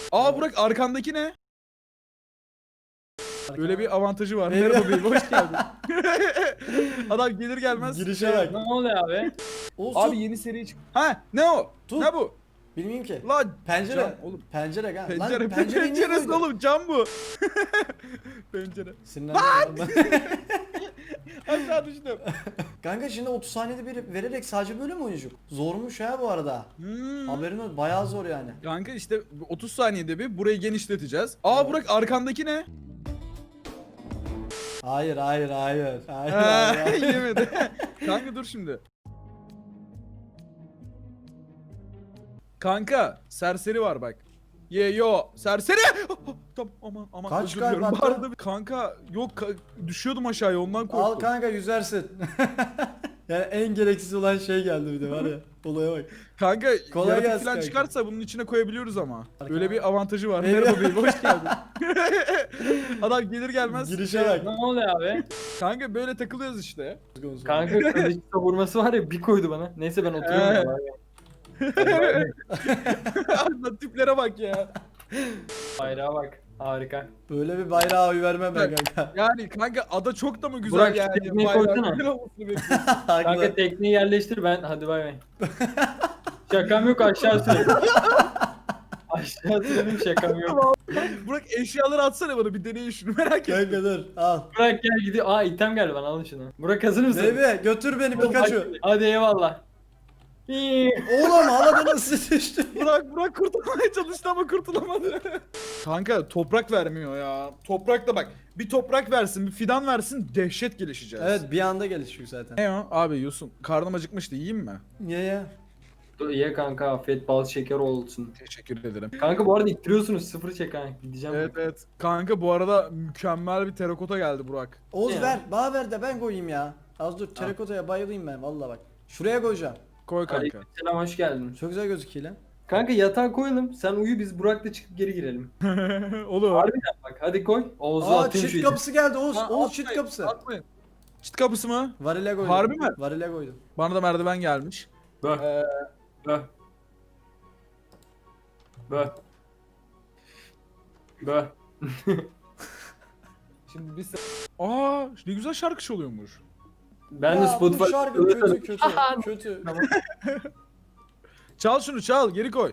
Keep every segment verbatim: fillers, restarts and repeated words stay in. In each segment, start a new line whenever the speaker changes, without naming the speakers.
Aa Burak arkandaki ne? Böyle bir avantajı var.
Evet.
Merhaba beyim hoş geldin. Adam gelir gelmez.
Girişe bak.
Ne oluyor abi?
Oğuz
Abi
tut.
yeni seri çık. Ha ne o?
Tut.
Ne bu?
Bilmiyorum ki.
Lan
Pencere.
cam oğlum.
Pencere kan.
Pencere,
Lan pencere niye
penceresi
koydun?
oğlum cam bu. Pencere.
Sinirlendim.
Aşağı düştüm.
Kanka şimdi otuz saniyede bir vererek sadece böyle mi oynayacak? Zormuş ha bu arada.
Hmm.
Haberin ol. Bayağı zor yani.
Kanka işte otuz saniyede bir burayı genişleteceğiz. Aa Burak arkandaki ne?
Hayır hayır hayır. Hayır
Ha,
hayır. hayır.
yemedi. Kanka dur şimdi. Kanka serseri var bak. Ye yo serseri. Tamam aman aman
Kaç
özür diliyorum.
kalp
Bu
attı?
arada- Kanka yok ka- düşüyordum aşağıya ondan korktum.
Al kanka yüzersin. Yani en gereksiz olan şey geldi bir de var ya. Olaya bak.
Kanka
Kolay
yaratık
gelsin
falan
kanka.
çıkarsa bunun içine koyabiliyoruz ama.
Arka-
Böyle bir avantajı var.
Evet.
Merhaba beyim hoş geldin. Adam gelir gelmez.
Girişe bak.
Ne oluyor abi?
Kanka böyle takılıyoruz işte.
Kanka kılıç savurması var ya bir koydu bana. Neyse ben oturuyorum. abi.
Lan tiplere bak ya.
Bayrağa bak. Harika.
Böyle bir bayrağı oy vermem ben kanka.
Yani kanka ada çok da mı güzel
Burak, şu
yani?
tekneyi
Bayrağı
koysana.
güzel olmasını bekliyorsun.
Kanka
Haklı.
tekneyi yerleştir ben. Hadi bay bay. Şakam yok aşağı sürelim. Aşağı sürelim şakam yok.
Burak eşyaları atsana bana bir deneyin şunu merak ettim.
Kanka dur al.
Burak gel gidiyor. Aa item geldi bana alın şunu. Burak hazır mısın?
Bebe götür beni Pikachu.
Hadi eyvallah. İyi.
Oğlum havada nasıl düştü?
Burak Burak kurtulmaya çalıştı ama kurtulamadı. Kanka toprak vermiyor ya. Toprak da bak bir toprak versin bir fidan versin dehşet gelişeceğiz.
Evet bir anda gelişiyor zaten.
Ne o? Abi Yusun karnım acıkmıştı yiyeyim mi?
Ye ye.
Dur, Ye kanka afiyet bal şeker olsun.
Teşekkür ederim.
Kanka bu arada ittiriyorsunuz sıfır çek ha. Gideceğim.
Evet evet. Kanka bu arada mükemmel bir terakota geldi Burak.
Oğuz
Ya.
ver. Bana ver de ben koyayım ya. Az dur terakotaya bayılayım ben valla bak. Şuraya koyacağım.
Koy kanka.
Aleykümselam hoş geldin.
Çok güzel gözüküyor lan.
Kanka yatağa koyalım. Sen uyu biz Burak'la çıkıp geri girelim.
Olur.
Harbiden bak hadi koy. Oğuz'u
Aa
atayım şu
çift
iti.
kapısı geldi Oğuz.
Ha,
Oğuz çift
atmayın,
kapısı.
atmayın. Çit kapısı mı?
Varile koydum.
Harbi mi?
Varile koydum.
Bana da merdiven gelmiş.
Böh.
Ee,
Böh. Böh. Böh.
şimdi biz... Aa ne güzel şarkı çalıyormuş.
Ben
ya,
de Spotify...
bu şarkı kötü kötü kötü.
Çal şunu çal geri koy.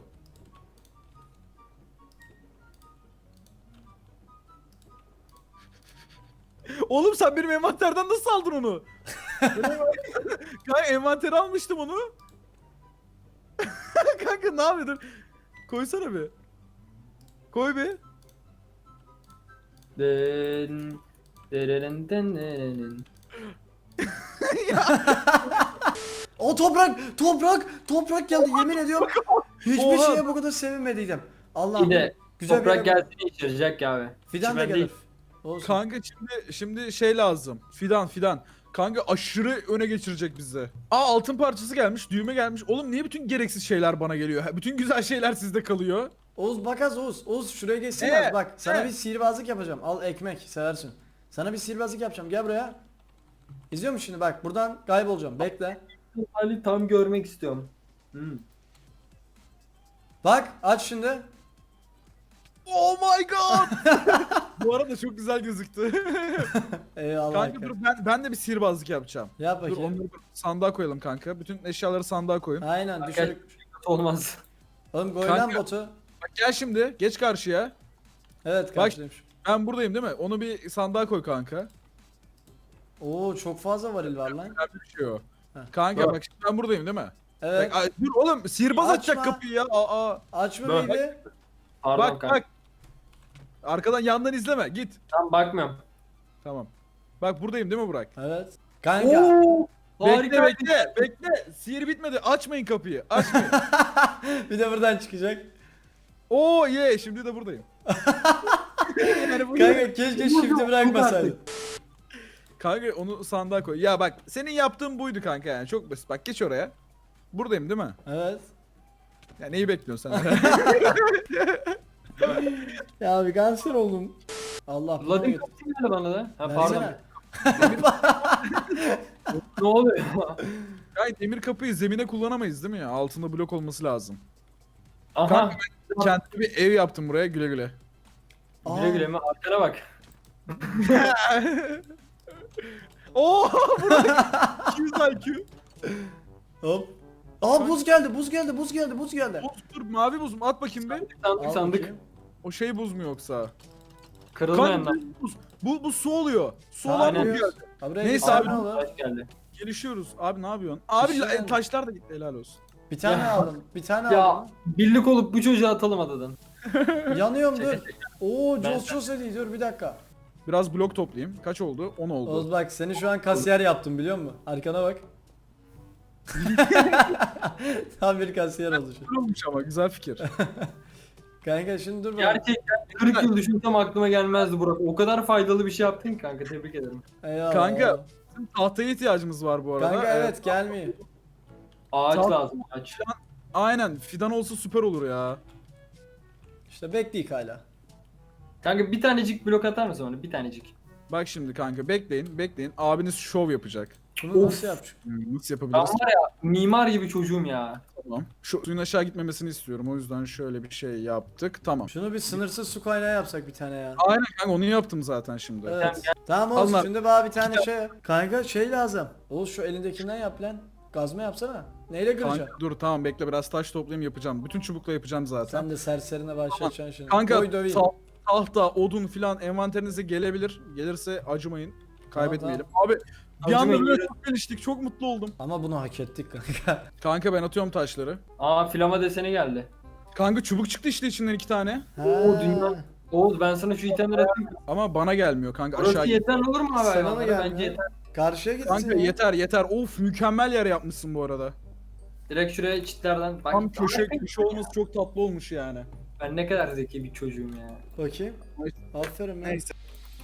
Oğlum sen benim envanterden nasıl aldın onu? Kanka envanteri almıştım onu. Kanka ne yapıyordun? Koysana bir. Koy bir.
Den, dereren, den, den.
O toprak toprak toprak geldi yemin ediyorum. Hiçbir
Oha.
şeye bu kadar sevinmediydim. Allah'ım.
Bir de
Güzel bir
toprak
yere-
gelsin içirecek ya abi.
Fidan da
Çimen
gelir.
değil.
Olsun.
Kanka şimdi şimdi şey lazım. Fidan fidan. Kanka aşırı öne geçirecek bizi. Aa altın parçası gelmiş, düğme gelmiş. Oğlum niye bütün gereksiz şeyler bana geliyor? Ha, bütün güzel şeyler sizde kalıyor.
Oğuz bak az Oğuz. Oğuz şuraya geçsin
Ee,
az bak. Sana
ee.
bir sihirbazlık yapacağım. Al ekmek seversin. Sana bir sihirbazlık yapacağım. Gel buraya. İzliyor musun şimdi bak buradan kaybolacağım. Bekle.
Ali tam görmek istiyorum. Hmm.
Bak aç şimdi.
Oh my god! Bu arada çok güzel gözüktü.
Eyvallah.
Kanka dur ben ben de bir sihirbazlık yapacağım.
Yap
Dur
bakayım.
onları dur, sandığa koyalım kanka. Bütün eşyaları sandığa koyun.
Aynen düşürük.
Olmaz.
Oğlum koy lan
Kanka.
botu.
Bak gel şimdi geç karşıya.
Evet
Bak.
karşılaymış.
Ben buradayım değil mi? Onu bir sandığa koy kanka.
Oo çok fazla varil var lan.
Güzel bir şey o.
Heh.
Kanka
Bak.
bak şimdi ben buradayım değil mi?
Evet.
Bak, ay, dur oğlum sihirbaz
Açma.
açacak kapıyı ya. Aa,
Açma
Bak.
baby.
Pardon
bak
kanka.
bak. Arkadan yandan izleme git.
Tam bakmıyorum.
Tamam. Bak buradayım değil mi Burak?
Evet. Kanka.
Oo,
Bekle
harika.
bekle bekle. Sihir bitmedi. Açmayın kapıyı. Açmayın.
Bir de buradan çıkacak.
Oo ye şimdi de buradayım. yani bu
Kanka keşke shift'i bırakmasaydın.
Kanka onu sandığa koy. Ya bak senin yaptığın buydu kanka yani çok basit. Bak geç oraya. Buradayım değil mi?
Evet.
Ya neyi bekliyorsun sen?
Ya bir kanser oldum. Allah bunu
Vladimir
git.
kapısı geldi bana da. Ha pardon.
Versene.
Ne oluyor?
Kanka demir kapıyı zemine kullanamayız değil mi ya? Altında blok olması lazım.
Aha.
Kanka kendime bir ev yaptım buraya, güle güle.
Aa,
Güle güle mi? Arkana bak.
Oo Burak. iki yüz I Q.
Hop. Aa buz geldi, buz geldi, buz geldi, buz geldi.
Buz, dur mavi buz mu? At bakayım bir.
Sandık
Al
sandık.
bakayım.
O şey buz mu yoksa?
Kırılmayan
Kanka
da.
buz. Bu, bu su oluyor. Su
Ha,
olan buz
aynen.
geldi.
Ha, buraya
Neyse
git,
abi,
ne olur?
Taş geldi.
Gelişiyoruz. Abi ne yapıyorsun? Abi
İşte
la-
yani.
taşlar da gitti, helal olsun.
Bir tane
Ya.
aldım, bir tane
Ya
aldım.
birlik olup bu çocuğu atalım adadan.
Yanıyorum dur. Oo
Ben-
Joss Joss ediyor, dur bir dakika.
Biraz blok toplayayım. Kaç oldu? on oldu.
Oğuz bak seni şu an kasiyer yaptım biliyor musun? Arkana bak. Tam bir kasiyer oldu şu.
Güzel olmuş ama, güzel fikir.
Kanka şimdi dur bak.
Gerçekten kırk yıl düşünsem aklıma gelmezdi Burak. O kadar faydalı bir şey yaptın ki kanka, tebrik ederim.
Eyvallah.
Kanka, Tahtaya ihtiyacımız var bu arada.
Kanka
Ee,
evet gelmiyor.
Ağaç
Tamam.
lazım ağaç.
Aynen, fidan olsa süper olur ya.
İşte bekleyik hala.
Kanka bir tanecik blok atar mısın bana? Bir tanecik.
Bak şimdi kanka, bekleyin bekleyin. Abiniz şov yapacak.
Bunu nasıl yapacak?
Hmm, Nasıl
Ben
yapabiliriz?
var ya mimar gibi çocuğum ya.
Tamam. Şu suyun aşağı gitmemesini istiyorum. O yüzden şöyle bir şey yaptık. Tamam.
Şunu bir sınırsız su kaynağı yapsak bir tane ya.
Aynen kanka, onu yaptım zaten şimdi.
Evet. Tamam Oğuz
Allah.
şimdi bana bir tane şey yap. Kanka şey lazım. Oğuz şu elindekinden yap lan. Gazma yapsana. Neyle kıracaksın?
Kanka, dur tamam bekle, biraz taş toplayayım, yapacağım. Bütün çubukla yapacağım zaten.
Sen de serserine başlayacaksın şimdi.
Kanka
Koy döveyim.
ta- tahta, odun filan envanterinize gelebilir. Gelirse acımayın. Kaybetmeyelim. Abi bir anda
Acımayın,
böyle
gelin.
çok geliştik. Çok mutlu oldum.
Ama bunu hak ettik kanka.
Kanka ben atıyorum taşları.
Aa flama deseni geldi.
Kanka çubuk çıktı işte içinden iki tane.
Oo, dünya- Oğuz ben sana şu itemleri atayım.
Ama bana gelmiyor kanka,
Burası
aşağı git.
yeter olur mu abi
Sana mı
hayvanlara?
gelmiyor?
Bence yeter.
Karşıya gitsin
Kanka
ya.
yeter yeter. Of, mükemmel yer yapmışsın bu arada.
Direkt şuraya çitlerden. Bak,
Tam köşe köşe olması çok tatlı olmuş yani.
Ben ne kadar zeki bir çocuğum ya.
Bakayım. Aferin lan.
Neyse.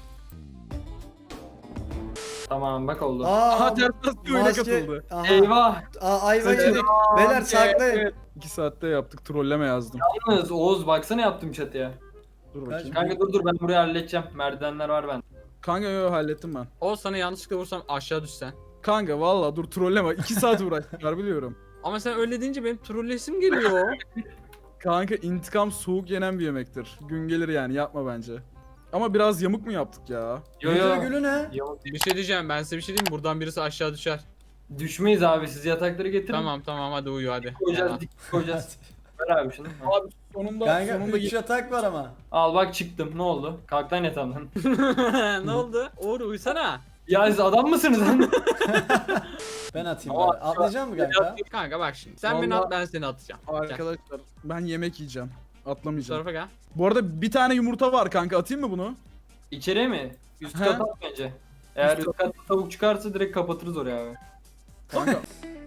Tamam bak oldu.
Aa,
Aha ters bir oyuna
maske-
katıldı.
Aha.
Eyvah.
Aa, ayva
Seçenek-
yedik. Beyler saklayın.
Evet. İki saatte yaptık. Trolleme yazdım.
Yalnız Oğuz baksana yaptım çatıya.
Dur bakayım.
Kanka dur dur ben burayı halledeceğim. Merdivenler var bende.
Kanka yo, hallettim ben.
O sana yanlışlıkla vursam aşağı düşsen.
Kanka valla dur, trolleme. İki saat uğraştılar biliyorum.
Ama sen öyle deyince benim trollesim geliyor.
Kanka intikam soğuk yenen bir yemektir. Gün gelir yani, yapma bence. Ama biraz yamuk mu yaptık ya?
Yo
Müdür
yo.
gülü ne?
Yo,
Bir şey diyeceğim, ben size bir şey diyeyim mi? Buradan birisi aşağı düşer.
düşmeyiz abi, siz yatakları getirin.
Tamam tamam hadi uyu hadi.
Koyacağız,
Ya.
dik koyacağız. Ver abi şunu. Al.
Abi sonunda
Kanka
sonunda
üç yatak var ama.
Al bak çıktım, ne oldu? Kalk lan yatağımdan.
Ne oldu? Uğur uysana.
Ya siz adam mısınız lan?
Ben atayım
Ama-
bari. Atlayacak mı kanka?
Kanka bak şimdi. Sen beni
Vallahi-
at, ben seni atacağım. Gel.
arkadaşlar ben yemek yiyeceğim.
Bu
Atlamayacağım.
tarafa gel.
Bu arada bir tane yumurta var kanka, atayım mı bunu?
İçeriye mi? Üst
He.
kata at bence. Eğer
Üst
üst katta tavuk çıkarsa direkt kapatırız oraya abi.
Kanka